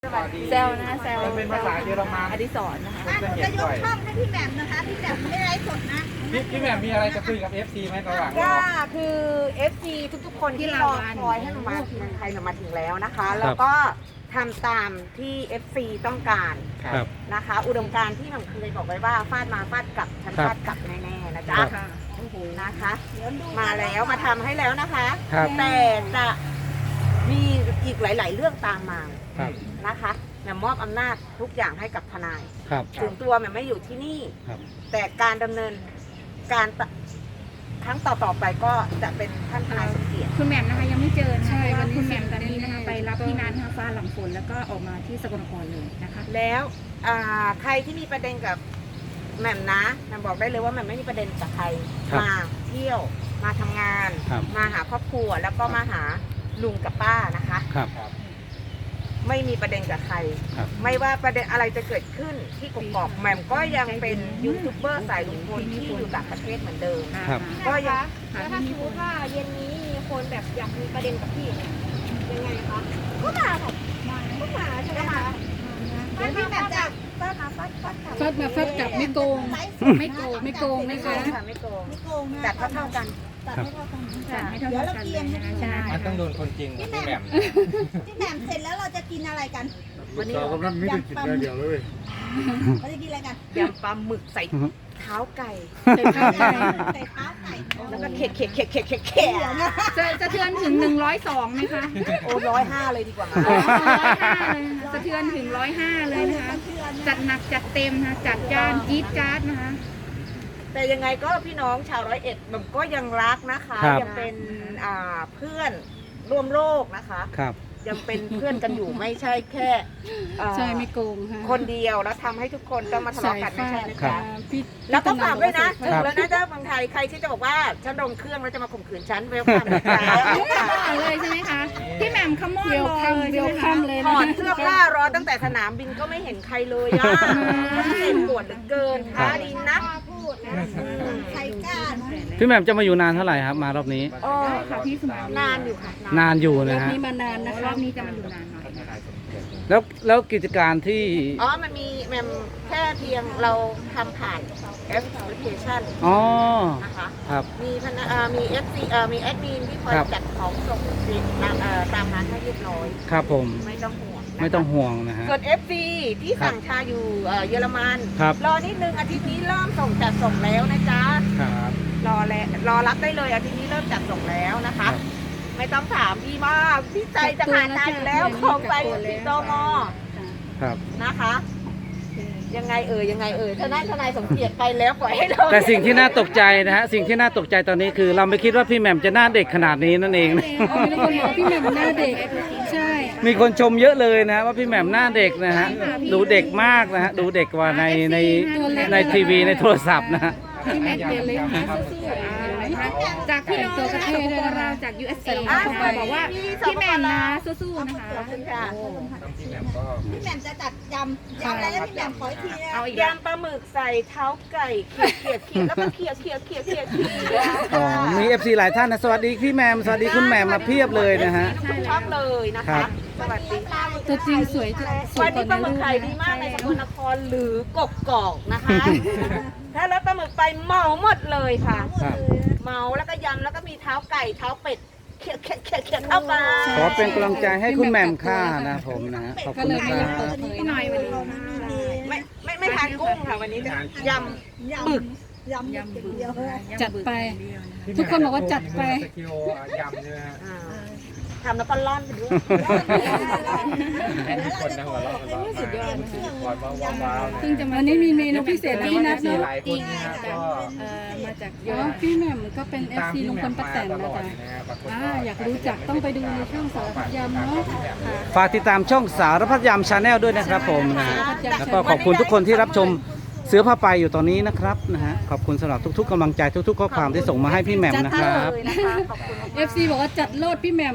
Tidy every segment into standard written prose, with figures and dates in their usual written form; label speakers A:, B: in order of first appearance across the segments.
A: เซลนะเซล
B: เป็นภาษาเยอรมัน
A: อดิศรนะคะ
C: จะยกช่องให้พี่แหม่มนะคะพี่แหม่มไม่ไลฟ์สดนะ
B: พี่แหม่มมีอะไรจะคุยกับ FC ไหมระหว่าง
D: ก็คือ FC ทุกๆคนที่รอคอยให้หนูมาเมืองไทยหนูมาถึงแล้วนะคะ แล้วก็ทำตามที่ FC ต้องการนะคะ อุดมการณ์ที่หนูเคยบอกไว้ว่าฟาดมาฟาดกลับฉันฟาดกลับแน่ๆนะจ๊ะนะคะมาแล้วมาทำให้แล้วนะคะแต่จะมีอีกหลายๆเรื่องตามมานะคะแหม่มมอบอำนาจทุกอย่างให้กับทนายถึงตัวแหม่มไม่อยู่ที่นี่แต่การดำเนินการครั้งต่อไปก็จะเป็นท่านทนายสมเกียรติ
A: คุณแหม่มนะคะยังไม่เจอใช่วันคุณแหม่มตอนนี้นะคะไปรับที่งานทางฟ้าหลังฝนแล้วก็ออกมาที่สกลนครเลยนะคะ
D: แล้วใครที่มีประเด็นกับแหม่มนะแหม่มบอกได้เลยว่าแหม่มไม่มีประเด็นกับใครมาเที่ยวมาทำงานมาหาครอบครัวแล้วก็มาหาลุงกับป้านะคะไม่มีประเด็นกับใครไม่ว่าประเด็นอะไรจะเกิดขึ้นที่กกอกแหม่มก็ยังเป็นยูทูบเบอร์สายลุงพลที่อยู่ต่างประเทศเหมือนเดิมก็ยัง
C: แล้วถ้าสมมติว่าเย็นนี้มีคนแบบอยากมีประเด็นกับพี่ยังไงคะก็มาค่ะก็มาใช่ไหมคะเดี๋ยวพี่แบบจะฟาดมาฟาด
A: กลับไม่โกงไม่โกงนะคะ
D: ไม่โกงแต่เท่ากัน
C: เดี๋ยวเราเกียง
B: มันต้องโดนคนจริงพี่แหม่ม
C: พี่แหม่มเสร็จแล้วเราจะกินอะไรกัน
E: วันนี้เราไม่ได้กินอะไรเดียวเลย
C: เราจะกินอะไรกัน
D: ยำปลาหมึกใส่เท้าไก่
C: ใส่เท้า
D: แล้วก็เข็ด
A: จะเทือนถึง102ไหมคะ
D: โอ้105เลยดีกว่า
A: 105เลยสะเทือนถึง105เลยนะคะจัดหนักจัดเต็มนะจัดจ้านจี๊ดจ๊าดนะคะ
D: แต่ยังไงก็พี่น้องชาว101มันก็ยังรักนะคะยังเป็นเพื่อนร่วมโลกนะคะยังเป็นเพื่อนกันอยู่ไม่ใช่แค่
A: ใช่ไม่โกง
D: คนเดียวแล้วทำให้ทุกคนต้องมาทะเลาะกันไม่ใช่นะคะแล้วก็ฝากด้วยนะถึงแล้วนะเจ้าเมืองไทยใครที่จะบอกว่าฉันลงเครื่องแล้วจะมาข่มขืนฉันเวลคัม
A: เลยใช่ไหมคะพี่แหม่มขโมยเลย
D: ถอดเสื้อผ้ารอตั้งแต่สนามบินก็ไม่เห็นใครเลยอ่ะเจ็บปวดเหลือเกินท้าดีนัก
C: ใครกล้า
E: พี่แหม่มจะมาอยู่นานเท่าไหร่ครับมารอบนี้
A: ค่ะพี่สมาน
D: นานอยู่ค่ะ
E: นานอยู่นะฮะ
A: มีมานานนะคะรอบนี้จะมาอยู่นานหน่อย
E: แล้วกิจการที่
D: มันมีแม่แค่เพียงเราทำผ่านแอปพลิเคชันนะคะมีFC มีแอดมินที่คอยจัดของส่งตามร้านให้เรียบร้อย
E: ครับผม
D: ไม่ต้องห่
E: วงนะฮะ
D: ส่วน FC ที่สั่งชาอยู่เยอรมันรอนิดนึงอาทิตย์นี้เริ่มจัดส่งแล้วนะจ๊ะรอรับได้เลยอาทิตย์นี้เริ่มจัดส่งแล้วนะคะไม่ต้องถามพี่มากพี่ใจจะขาดใจอยู่แล้วของไปที่ตมนะคะยังไงทนายสมเกียรติไปแล้วปล่อยให้เรา
E: แต่สิ่งที่น่าตกใจนะฮะสิ่งที่น่าตกใจตอนนี้คือเราไม่คิดว่าพี่แหม่มจะหน้าเด็กขนาดนี้นั่นเองนะ
A: มีคนบอกพี่แหม่มหน้าเด็กใช่
E: มีคนชมเยอะเลยนะว่าพี่แหม่มหน้าเด็กนะฮะดูเด็กมากนะฮะดูเด็กกว่าในทีวีในโทรศัพท์นะฮะ
A: พี่แม็กเดลิฟจากพี่น้องจากสปปลาวจาก USA บอกว่าพี่แหม่มนะสู้ๆนะคะ
C: พี่แหม่มจะจัดยำอะไรแล้วพี่แหม่มขออีกทีนะ
D: เอายำปลาหมึกใส่เท้าไก่เขียดแล้วก็เขียด
E: มี FC หลายท่านนะสวัสดีพี่แหม่มสวัสดีคุณแหม่มมาเพียบเลยนะฮะ
D: ทุกช่องเลยนะคะสวัสดี
A: ตัวจริงสวย
D: วันนี้ปลาหมึกไข่ดีมากในสกลนครหรือกกอกนะคะถ้ารถปลาหมึกไปเหมาหมดเลยค่ะเมาแล้วก็ยำแล้วก็มีเท้าไก่เท้าเป็ดเขียดเข้าไป
E: ขอเป็นกำลังใจให้คุณแหม่มค่านะผมนะขอบคุณครับ
A: พี่หน่อยวันนี้
D: ไม่ทานกุ้งค่ะวันนี้ยำบึก
A: จัดไปทุกคนบอกว่าจัดไป
B: ยำเนี่ย
D: ทำแล้วก็ล่อนไปด้วย
A: สุดยอดซึ่งจะวันนี้มีเมนูพิเศษที่นัดเนาะ
B: จริง
A: มาจากพี่แหม่มก็เป็น FC ลุงพลป้าแตนนะจ๊ะอยากรู้จักต้องไปดูในช่องสารพัดยำเนาะ
E: ฝากติดตามช่องสารพัดยำชาแนลด้วยนะครับผมนะแล้วก็ขอบคุณทุกคนที่รับชมเสือผ้าไปอยู่ตอนนี้นะครับนะฮะขอบคุณสำหรับทุกๆกำลังใจทุกๆข้อความที่ส่งมาให้พี่แหม่มนะครับ
A: FC บอกว่าจัดโลดพี่แหม่ม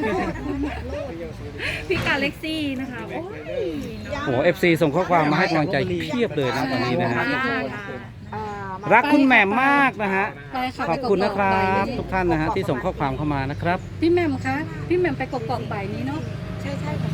A: พี่กาเล็กซี่นะคะ
E: โอ้ FC ส่งข้อความมาให้กำลังใจเพียบเลยนะตอนนี้นะฮะรักคุณแหม่มมากนะฮะขอบคุณนะครับทุกท่านนะฮะที่ส่งข้อความเข้ามานะครับ
A: พี่แหม่มคะพี่แหม่มไปกกอกบ่ายนี้เนาะ
D: ใช่